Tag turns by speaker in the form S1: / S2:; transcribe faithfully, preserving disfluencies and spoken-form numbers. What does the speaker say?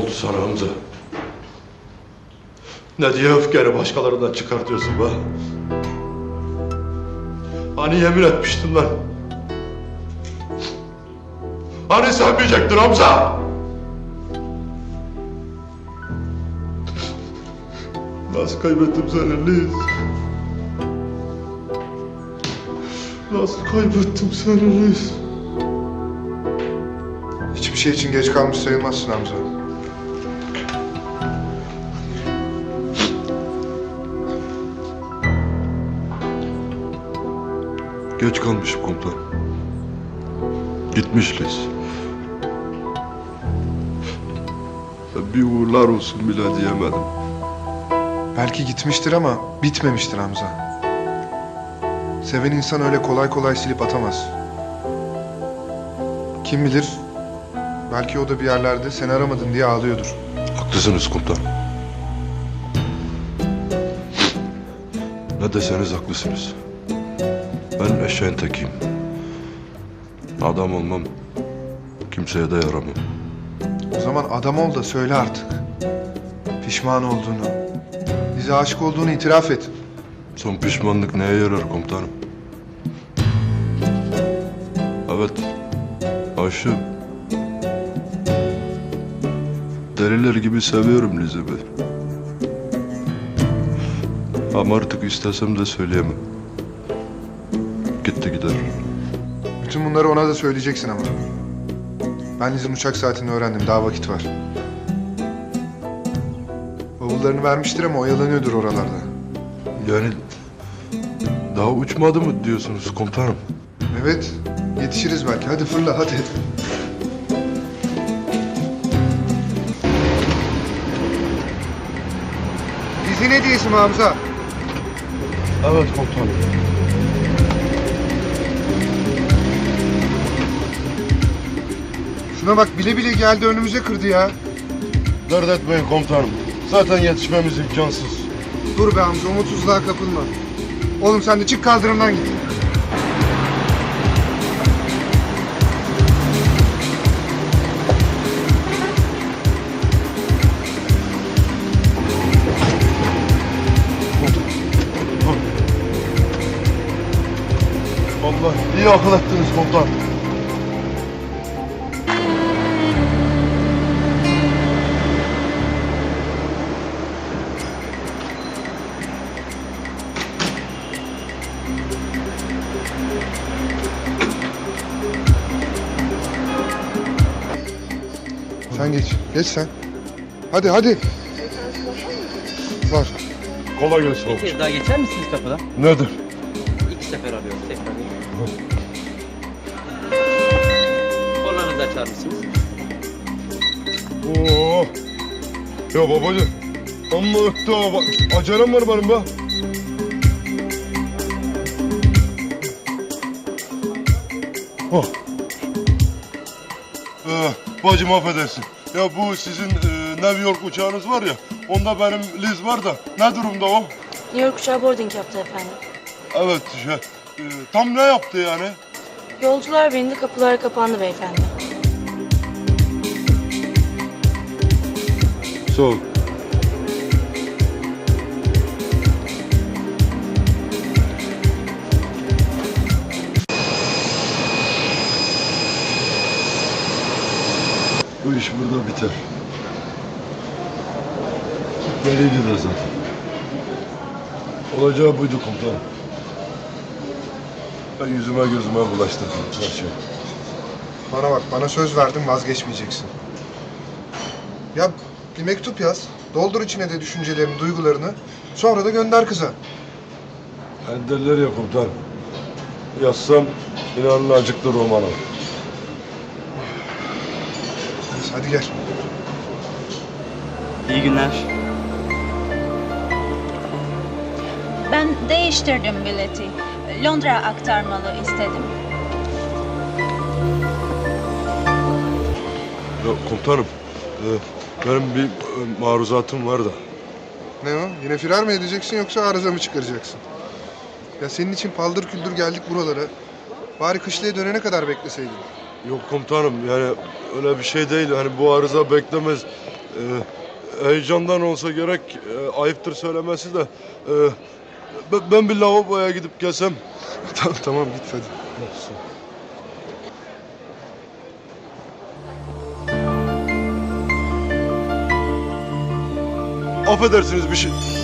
S1: oldu sana Hamza? Ne diye öfkeni başkalarından çıkartıyorsun be? Hani yemin etmiştin lan? Hani sevmeyecektin Hamza? Nasıl kaybettim seni Liz? Nasıl kaybettim seni Liz?
S2: Hiçbir şey için geç kalmış sayılmazsın Hamza.
S1: Geç kalmışım komutan. Gitmiş Liz. Bir uğurlar olsun bile diyemedim.
S2: Belki gitmiştir ama bitmemiştir Hamza. Seven insan öyle kolay kolay silip atamaz. Kim bilir, belki o da bir yerlerde seni aramadın diye ağlıyordur.
S1: Haklısınız komutan. Ne deseniz haklısınız. Ben eşeğin tekiyim. Adam olmam, kimseye de yaramam.
S2: O zaman adam ol da söyle artık. Pişman olduğunu, bize aşık olduğunu itiraf et.
S1: Son pişmanlık neye yarar komutanım? Evet, aşığım. Deliler gibi seviyorum Liz'i ben. Ama artık istesem de söyleyemem. Gitti gider.
S2: Bütün bunları ona da söyleyeceksin ama. Ben Liz'in uçak saatini öğrendim, daha vakit var. Bavullarını vermiştir ama oyalanıyordur oralarda.
S1: Yani daha uçmadı mı diyorsunuz komutanım?
S2: Evet, yetişiriz belki. Hadi fırla, hadi. Liz'in hediyesi mi Hamza?
S1: Evet komutanım.
S2: Şuna bak, bile bile geldi önümüze kırdı ya.
S1: Dert etmeyin komutanım. Zaten yetişmemiz imkansız.
S2: Dur be Hamza, umutsuzluğa kapılma. Oğlum sen de çık kaldırımdan git.
S1: Allah iyi akıl ettiniz komutan.
S2: Sen geç, geç sen. Hadi hadi. Var.
S1: Kolay gelsin
S3: Bir kez daha geçer misiniz kapıdan?
S1: Nedir?
S3: İki sefer arıyoruz tekrar. Kornanızı açar mısınız?
S1: Oo. Ya babacığım. Amma öttü ha. Bak, acelem var benim be. Oh. Ee, bacım affedersin. Ya bu sizin e, New York uçağınız var ya. Onda benim Liz var da. Ne durumda o?
S4: New York uçağı boarding yaptı efendim.
S1: Evet şey. e, tam ne yaptı yani?
S4: Yolcular bindi, kapılar kapandı beyefendi.
S1: Sağ ol. Bu iş burada biter. Belliydi de zaten. Olacağı buydu komutanım. Ben yüzüme gözüme bulaştırdım her şey.
S2: Bana bak, bana söz verdin, vazgeçmeyeceksin. Ya bir mektup yaz. Doldur içine de düşüncelerini, duygularını. Sonra da gönder kıza.
S1: Enderler ya komutanım. Yazsam inanın acıktı romana.
S2: Neyse, hadi gel.
S3: İyi günler.
S5: Ben değiştirdim bileti. Londra aktarmalı istedim.
S1: Ya komutanım, e, benim bir e, maruzatım var da.
S2: Ne o? Yine firar mı edeceksin yoksa arıza mı çıkaracaksın? Ya senin için paldır küldür geldik buralara. Bari kışlaya dönene kadar bekleseydin.
S1: Yok komutanım, yani öyle bir şey değil. Hani bu arıza beklemez. E, Ee, heyecandan olsa gerek, e, ayıptır söylemesi de. e, ben- ben bir lavaboya gidip gelsem.
S2: tamam tamam git hadi.
S1: Affedersiniz bir şey.